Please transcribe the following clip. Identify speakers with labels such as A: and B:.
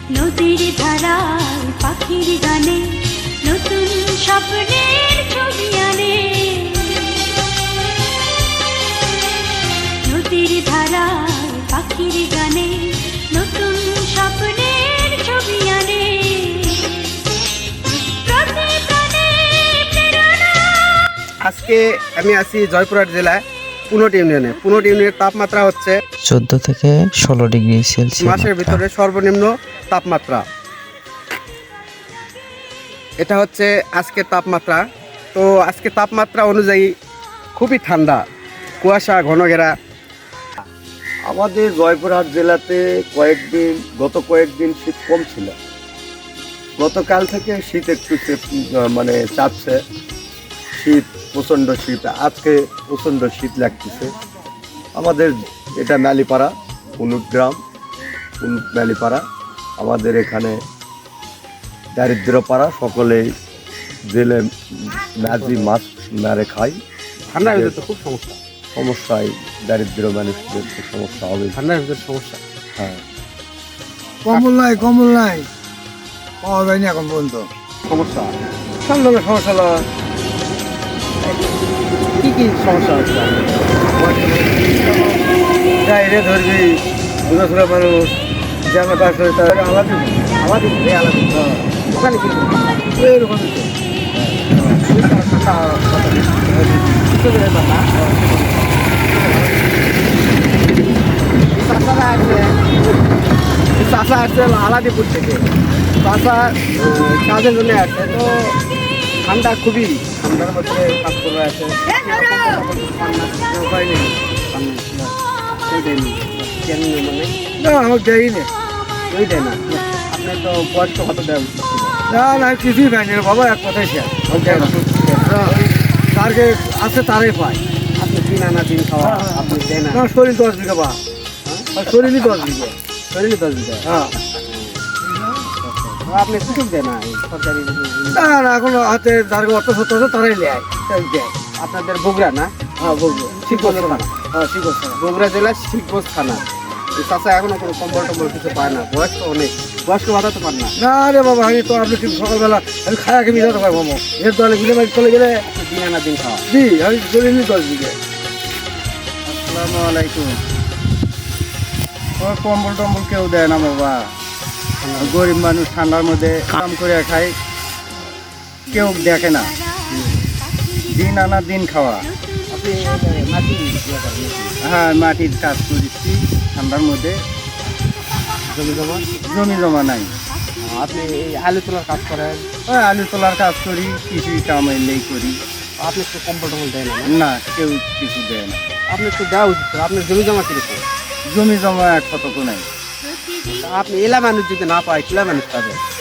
A: নদীর ধারায় পাখির গানে নতুন স্বপ্নের ছবি আনে। নদীর ধারায় পাখির গানে নতুন স্বপ্নের ছবি আনে।
B: আজকে আমি আছি জয়পুরহাট জেলায় পুনট ইউনিয়নে। পুনট ইউনিয়নের তাপমাত্রা হচ্ছে
C: 14 থেকে 16 ডিগ্রি সেলসিয়াস
B: মাসের ভিতরে সর্বনিম্ন তাপমাত্রা। এটা হচ্ছে আজকের তাপমাত্রা। তো আজকে তাপমাত্রা অনুযায়ী খুবই ঠান্ডা, কুয়াশা ঘন ঘেরা।
D: আমাদের জয়পুরহাট জেলাতে গত কয়েকদিন শীত কম ছিল। গতকাল থেকে শীত একটু মানে চাপছে, শীত প্রচণ্ড শীত। আজকে প্রচণ্ড শীত লাগতেছে। আমাদের এটা ম্যালিপাড়া, পুনুট গ্রাম, পুনুট ম্যালিপাড়া। আমাদের এখানে দারিদ্রপাড়া, সকলেই জেলে ম্যাজি মাছ মেরে খাই।
B: ঠান্ডার ভিতরে তো খুব সমস্যা,
D: সমস্যায় দারিদ্র মানুষদের তো সমস্যা হবে।
B: ঠান্ডার ভিতরে সমস্যা।
D: হ্যাঁ,
E: কম্বল নাই পাওয়া যায়নি এখন পর্যন্ত।
B: সমস্যা ঠান্ডা সমস্যা হলো কি সমস্যা হচ্ছে?
E: গাইরে ধরবি ঘুরে ঘুরে মানুষ জামা কাজ করে তার আলাদা
B: আলাদা ওখানে কিন্তু
E: এরকম
B: চাষা আসছে আলাদিপুর থেকে। চাষা কাজের জন্য আসছে। তো ঠান্ডা খুবই, ঠান্ডার মধ্যে কাজ করে আছে। উপায় নেই,
E: না আমার দেয়নি।
B: ওই দেয় না। আপনার তো বয়স্ক কত দেয়?
E: না কিছুই পাইনি রে বাবা, এক কথাই শেষ। তারকে আছে তারাই পায়।
B: আপনি দিন আনা দিন খাওয়া, আপনি দেয় না।
E: না শরীর 10 বিঘা বা শরীরই 10 বিঘা।
B: শরীরে 10 দিতে
E: হ্যাঁ
B: আপনি সুযোগ দেয় না এই সরকারি।
E: না এখন হাতে যার অত সত্য আছে তারাই নেয়, তাই দেয়।
B: আপনাদের বগুড়া না?
E: হ্যাঁ বলবো
B: শিবগঞ্জ থানা।
E: হ্যাঁ ঠিক আছে।
B: বগুড়া জেলার শিবগঞ্জ থানা। এই চাষা এখনো কোনো কম্বল টম্বল কিছু পায় না। বয়স তো অনেক, বয়স্ক বাধা তো পান না।
E: না রে বাবা, আমি তো আপনি ঠিক সকালবেলা আমি খায়া খেয়ে যেতে পারবো মামা। এর দলে বিলে মাইক চলে গেলে
B: আপনি দিন আনা দিন খাওয়া।
E: দি আমি শরীর 10 বিঘা।
F: আসসালামু আলাইকুম। ওই কম্বল টম্বল কেউ দেয় না বাবা। গরিব মানুষ ঠান্ডার মধ্যে কাম করে খায়, কেউ দেখে না। দিন আনা দিন খাওয়া।
B: আপনি মাটি ইয়ে করেন?
F: হ্যাঁ, মাটির কাজ করেছি ঠান্ডার মধ্যে। জমি জমা নাই।
B: আপনি এই আলু তোলার কাজ করেন?
F: ওই আলু তোলার কাজ করি, কিছুই কাম এলেই করি।
B: আপনি একটু কম্বল টম্বল দেয় না?
F: না, কেউ কিছু দেয় না।
B: আপনি একটু দেওয়া উচিত। আপনার জমি জমা কিরকম?
F: জমি জমা এক কতক নাই।
B: আপনি এলা মানুষ যদি না পায়, কিলা মানুষ পাবে?